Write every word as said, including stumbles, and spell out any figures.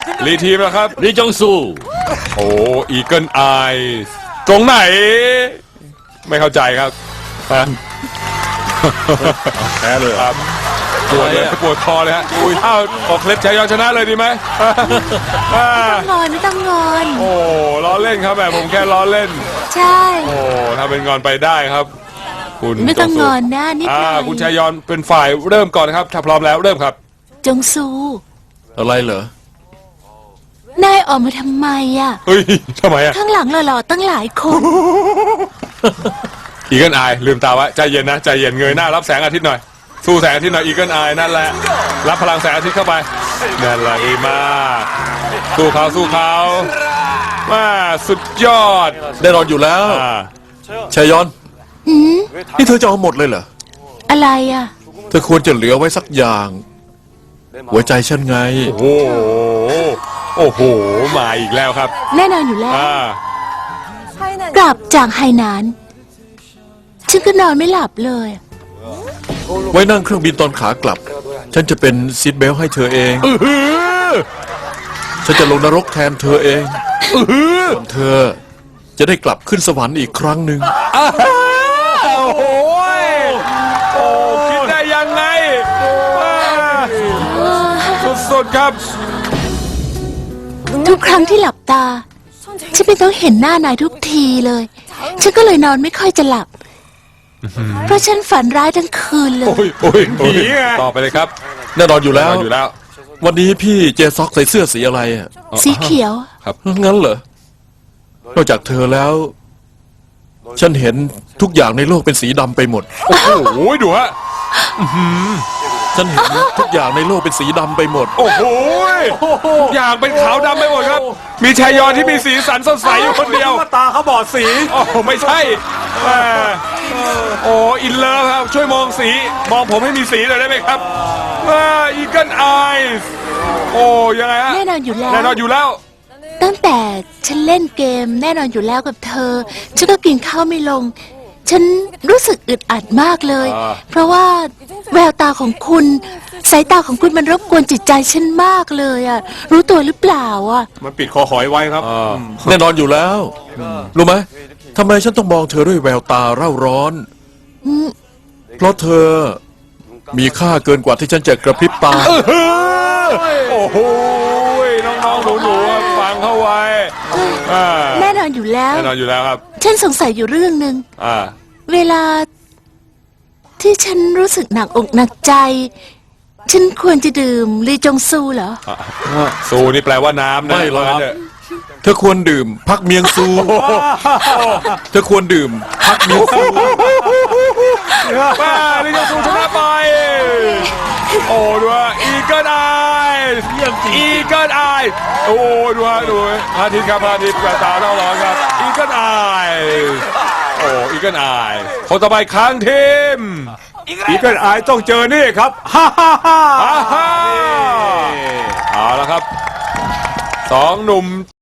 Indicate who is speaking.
Speaker 1: รีทีมแล้วครับ
Speaker 2: ลีจงซู
Speaker 1: โอ้อีเกิลไอตรงไหน ไม่เข้าใจครับฮะ
Speaker 3: แพ้เลย
Speaker 1: ครับปวดเลยปวดคอเลยฮะอุ้ยอ้าวออกเคล็ดชัยยอนชนะเลยดีไหมอ่า
Speaker 4: งอนไม่ต้องงอน
Speaker 1: โอ้ล้อเล่นครับแบบผมแค่ล้อเล่น
Speaker 4: ใช่
Speaker 1: โอ้ถ้าเป็นงอนไปได้ครับ คุณ
Speaker 4: ไม่ต้อง
Speaker 1: จซู
Speaker 4: งอนนะนิดห
Speaker 1: อ่า
Speaker 4: น่อย
Speaker 1: คุณชัยยอนเป็นฝ่ายเริ่มก่อนนะครับถ้าพร้อมแล้วเริ่มครับ
Speaker 4: จงซู
Speaker 2: อะไรเหรอน
Speaker 4: ายออกมาทำไมอ่ะ
Speaker 1: เฮ้ยทำไมอ่ะ
Speaker 4: ข้างหลังหล่อๆตั้งหลายคน
Speaker 1: อีเกิลไอลืมตาไว้ใจเย็นนะใจเย็นเงยหน้ารับแสงอาทิตย์หน่อยสู้แสงอาทิตย์หน่อยอีเกิลไอนั่นแหละรับพลังแสงอาทิตย์เข้าไปนั่นแหละดีมากสู้เขาสู้เขามาสุดยอด
Speaker 2: แน่นอนอยู่แล้ว
Speaker 1: อ่า
Speaker 2: ชายอน
Speaker 4: หืม
Speaker 2: นี่เธอจะเอาหมดเลยเหรอ
Speaker 4: อะไรอ่ะ
Speaker 2: เธอควรจะเหลือไว้สักอย่าง หัวใจฉันไง
Speaker 1: โอ้โหโอ้โหมาอีกแล้วครับ
Speaker 4: แน่นอนอยู่แล้ว
Speaker 1: อ่าก
Speaker 4: ลับจากไฮนานฉันก็นอนไม่หลับเลย
Speaker 2: ไว้นั่งเครื่องบินตอนขากลับ ฉันจะเป็นซีทเบลต์ให้เธอเอง
Speaker 1: อื้อหือ
Speaker 2: ฉันจะลงนรกแทนเธอเอง
Speaker 1: อื้อหือ
Speaker 2: ส่วนเธอจะได้กลับขึ้นสวรรค์อีกครั้งหนึ่ง
Speaker 1: อ้าวโอ้โหโอ้คิดได้ยังไงอ่าสุดๆครับ
Speaker 4: ทุกครั้งที่หลับตา ฉันไม่ต้องเห็นหน้านายทุกทีเลย ฉันก็เลยนอนไม่ค่อยจะหลับ เพราะฉันฝันร้ายทั้งคืนเลย
Speaker 1: โอ้ยโอ้ยผีไงต่อไปเลยครับ
Speaker 2: แน่นอนอยู่แล้ว
Speaker 1: อยู่แล้ว
Speaker 2: วันนี้พี่เจซ็อกใส่เสื้อสีอะไรอะ
Speaker 4: สีเขียว
Speaker 2: งั้นเหรอ นอกจากเธอแล้ว ฉันเห็นทุกอย่างในโลกเป็นสีดำไปหมด
Speaker 1: โอ้โหดูฮะ
Speaker 2: ฉันเห็นทุกอย่างในโลกเป็นสีดำไปหมด
Speaker 1: โอ้โหทุกอย่างเป็นขาวดำไปหมดครับ มีชายยอนที่มีสีสันสดใสอยู่คนเดียว
Speaker 3: ตาเขาบอดสี
Speaker 1: โอ้ไม่ใช่แหมโอ้อินเลิฟครับ ช่วยมองสี มองผมให้มีสีหน่อยได้ไหมครับอีเกิลไอส์โอ้ยังไงฮะ
Speaker 4: แน่นอนอยู่แล้ว
Speaker 1: แน่นอนอยู่แล้ว
Speaker 4: ตั้งแต่ฉันเล่นเกมแน่นอนอยู่แล้วกับเธอ ฉันก็กินข้าวไม่ลง ฉันรู้สึกอึดอัดมากเลย
Speaker 1: อ่า
Speaker 4: เพราะว่าแววตาของคุณ สายตาของคุณมันรบกวนจิตใจฉันมากเลยอ่ะ รู้ตัวหรือเปล่าอ่ะ
Speaker 3: มันปิดคอหอยไว้ครับ
Speaker 2: แน่นอนอยู่แล้ว รู้ไหมทำไมฉันต้องมองเธอด้วยแววตาเร่าร้อน
Speaker 4: อืม
Speaker 2: เพราะเธอมีค่าเกินกว่าที่ฉันจะกระพริบตา
Speaker 1: โอ้โหน้องๆหนูๆฟังเข้าไว้อ่า
Speaker 4: แน่นอนอยู่แล้ว
Speaker 1: แน่นอนอยู่แล้วครับ
Speaker 4: ฉันสงสัยอยู่เรื่องหนึ่ง
Speaker 1: อ่า
Speaker 4: เวลาที่ฉันรู้สึกหนักอกหนักใจ ฉันควรจะดื่มลีจงซูเหรอ
Speaker 1: ซูนี่แปลว่าน้ำนะ
Speaker 2: ไม่หรอก
Speaker 1: ว่างั้นเถะ
Speaker 2: เธอควรดื่ม พักเมียงซู เธอควรดื่ม พักเมียงซู
Speaker 1: ป้าลิจงซูชนะไป โอ้ดูฮะอีเกิลไออีเกิลไอโอ้ดูฮะดูฮะพระอาทิตย์ครับพระอาทิตย์กระตาต้องร้อนครับอีเกิลไอโอ้อีเกิลไอคนต่อไปค้างทีม
Speaker 3: อีเกิลไอต้องเจอนี่ครับ ฮ่าฮ่าฮ่า
Speaker 1: อ่าฮะเอาละครับสองหนุ่ม